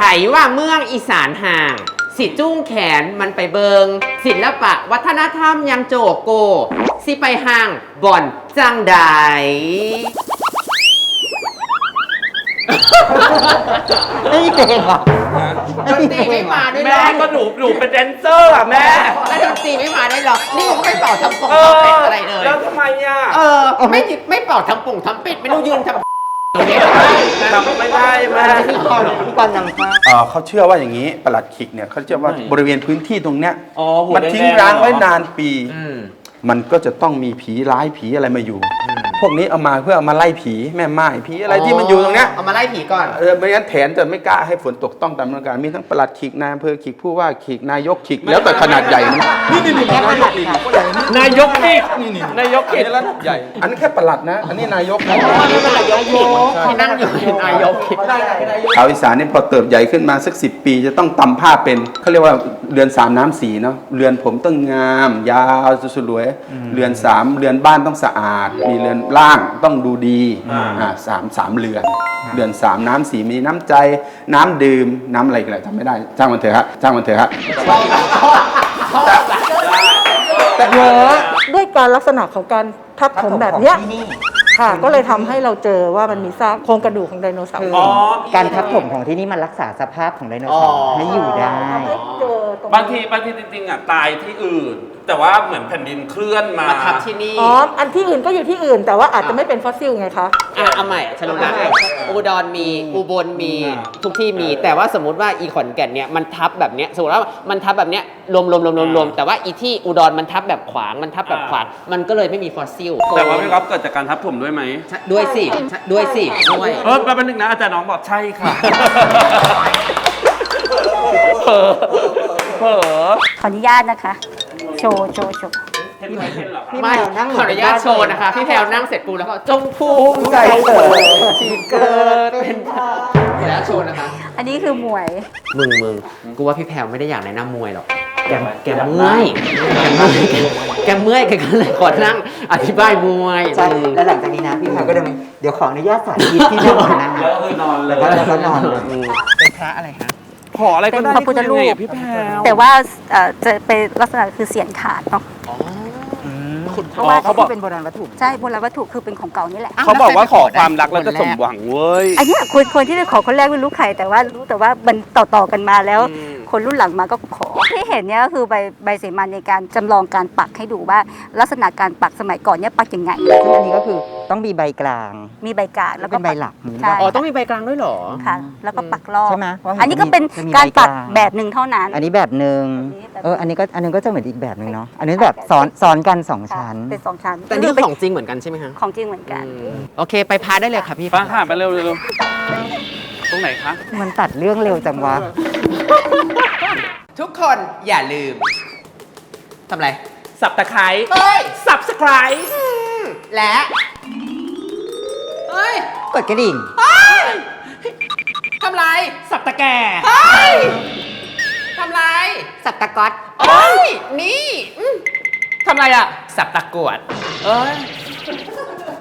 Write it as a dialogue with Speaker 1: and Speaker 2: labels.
Speaker 1: ว่าเมืองอีสานห่างสิจู้งแขนมันไปเบิงศิลปะวัฒนธรรมยังโจโกสิไปห่างบ่อนจังใด
Speaker 2: ไม่เก่งอ่ะ
Speaker 1: ดนตรีไม่มาด้วยหร
Speaker 3: แม่
Speaker 1: อ
Speaker 3: ก็หนูเป็นแดนเซอร์อ่ะแม่
Speaker 1: แล้วดนตรีไม่มาด้วยหรอนี่ก็ไม่เป่าทำปงทำเป็ดอะไรเลย
Speaker 3: แล้วทำไมอ่ะ
Speaker 1: ไม่เป่าทำปงทำเป็ดไม่รู้ยืนทำ
Speaker 3: ทำไม่ได้แม่
Speaker 2: พี่กรณ์นำฟ้า
Speaker 4: เขาเชื่อว่าอย่างนี้ปลัดขิกเนี่ยเขาเชื่อว่าบริเวณพื้นที่ตรงเนี้ย
Speaker 3: อ๋อหัว
Speaker 4: มัน
Speaker 3: แดงๆ
Speaker 4: ทิ้งร้างไว้
Speaker 3: เหรอน
Speaker 4: านปี มันก็จะต้องมีผีร้ายผีอะไรมาอยู่ พวกนี้เอามาเพื่อเอามาไล่ผีแม่ไม้ผีอะไรที่มันอยู่ตรงเนี้ย
Speaker 1: เอามาไล่ผีก่อน
Speaker 4: ไม่งั้นแถนจะไม่กล้าให้ฝนตกต้องตามฤดูกาลมีทั้งปลัดขิกนายอำเภอขิกผู้ว่าขิกนายกขิกแล้วแต่ขนาดใหญ่นะนี่นายกขิก
Speaker 3: นายกอีกนายก
Speaker 4: อัน
Speaker 3: อีก
Speaker 4: นี้ระดับใหญ่ อันนี้นแค่ปลัดนะ อันนี้นายกนะ
Speaker 1: ที่นั่งอยู่เป็นนายก
Speaker 4: ชาวอีสานนี่พอเติบใหญ่ขึ้นมาสัก10 ปีจะต้องตำผ้าเป็นเขาเรียกว่าเรือน3 น้ำ4เนาะเรือนผมต้องงามยาวสวยๆเรือน3เรือนบ้านต้องสะอาด มีเรือนล่างต้องดูดีสามเรือนเรือน3 น้ำ4มีน้ำใจน้ำดื่มน้ำอะไรกันจำไม่ได้จ้างมันเถอะฮะจ้างมันเถอะฮะ
Speaker 2: แต่เยอะ
Speaker 5: ด้วยการลักษณะของการทับถมแบบเนี้ย
Speaker 2: ที่นี่
Speaker 5: ค่ะ ก็เลยทำให้เราเจอว่ามันมีซากโครงกระดูกของไดโนเสาร์
Speaker 3: อ๋อ
Speaker 2: การทับถมของที่นี่มันรักษาสภาพของไดโนเสาร์ให้อยู่ได้
Speaker 5: เจอตรง
Speaker 3: บางทีจริงๆอ่ะตายที่อื่น แต่ว่าเหมือนแผ่นดินเคลื่อนมา
Speaker 1: มาทับที่นี่
Speaker 5: อ๋อ อันที่อื่นก็อยู่ที่อื่น แต่ว่าอาจจะไม่เป็นฟอสซิลไงคะ
Speaker 1: เอาใหม่ฉันรู้แล้วอุดรมีอุบลมีทุกที่มี แต่ว่าสมมติว่าอีขอนแก่นเนี่ยมันทับแบบเนี้ยสมมติว่ามันทับแบบเนี้ยรวมแต่ว่าอีที่อุดรมันทับแบบขวางมันทับแบบขวางมันก็เลยไม่มีฟอสซิล
Speaker 3: แต่ว่าพี่ก๊อฟเกิดจากการทับถมด้วยไหม
Speaker 1: ด้วยสิด้วย
Speaker 3: แป๊บนึงนะอาจารย์น้องบอกใช่ค่ะเผลอ
Speaker 6: ขออนุญาตนะคะ โชว์
Speaker 3: เห็นไหมเห็นเหรอครับ
Speaker 1: ไม่ขออนุญาตโชว์นะคะพี่แพลวนั่งเสร็จปูแล้วก็จงภูมิใจเกิดที่เกิดเป็นแล้วโชว์นะคะ
Speaker 6: อันนี้คือหมวย
Speaker 1: มึงกูว่าพี่แพลวไม่ได้อยากแนะนำมวยหรอกแกเมื่อยแกเมื่อยแกก็เลยขอนั่งอธิบายมวย
Speaker 2: ใช่ แล้วหลังจากนี้นะพี่พาก็เดินไปเดี๋ยวขออนุญาตสาธิตที่นั่งของนั่ง
Speaker 3: แล้วก็คือนอนเลย
Speaker 2: แล้วก็นอนเลย
Speaker 1: เป็นพระอะไรคะ
Speaker 3: ขออะไรก็ได้
Speaker 6: เป็นพระพุทธรูป
Speaker 3: ยังไงอะพี่แพรว
Speaker 6: แต่ว่าจะเป็นลักษณะคือเสียนขาดเนาะเพราะว่า
Speaker 3: เขาบอก
Speaker 2: เป็นโบราณวัตถุ
Speaker 6: ใช่โบราณวัตถุคือเป็นของเก่านี่แหละ
Speaker 3: เขาบอกว่าขอความรักแล้วจะสมหวังเว้ย
Speaker 6: อันเนี้ยคนที่ได้ขอคนแรกไม่รู้ใครแต่ว่ารู้แต่ว่ามันต่อกันมาแล้ว คนรุ่นหลังมาก็ขอที่เห็นเนี่ยก็คือใบเสมาในการจำลองการปักให้ดูว่าลักษณะการปักสมัยก่อนเนี่ยปักยังไง
Speaker 2: ซึ่งอันนี้ก็คือต้องมีใบกลาง
Speaker 6: มีใบกาดแล้วก็
Speaker 2: เป็นใบหลักนี้
Speaker 6: ใช่
Speaker 1: อ๋อต้องมีใบกลางด้วยเหรอ
Speaker 6: ค่ะ แล้วก็ปักรอบ
Speaker 2: ใช่ไหมว่าเห็น
Speaker 6: อันนี้ก็เป็น
Speaker 2: จะมี
Speaker 6: การปัก
Speaker 2: ใบกลาง
Speaker 6: แบบหนึ่งเท่านั้น
Speaker 2: อันนี้แบบหนึ่ง
Speaker 6: อันนี้แบบ
Speaker 2: อันนึงก็จะเหมือนอีกแบบหนึ่งเนาะ อันนี้แบบซ้อนกัน2 ชั้น
Speaker 6: เป็น2 ชั้น
Speaker 1: แต่นี่คือของจริงเหมือนกันใช่ไหมคะ
Speaker 6: ของจริงเหมือนกัน
Speaker 1: โอเคไปพาได้เลยค่ะพี่
Speaker 3: ป้าค่ะไปเร็วตรงไหนคะ
Speaker 2: มันตัดเรื่องเร็วจังวะ
Speaker 1: ทุกคนอย่าลืมทำอะไร
Speaker 3: สับตะไคร้
Speaker 1: เฮ้ย
Speaker 3: สับสไคร
Speaker 1: และเฮ้ย
Speaker 2: กดกระดิ่ง
Speaker 1: ทำไร
Speaker 3: สับตะแก่
Speaker 1: เฮ้ยทำไร สับตะก๊อตเอ้ยนี่ทำไรอ่ะ สับตะกรวด
Speaker 3: เอ้ย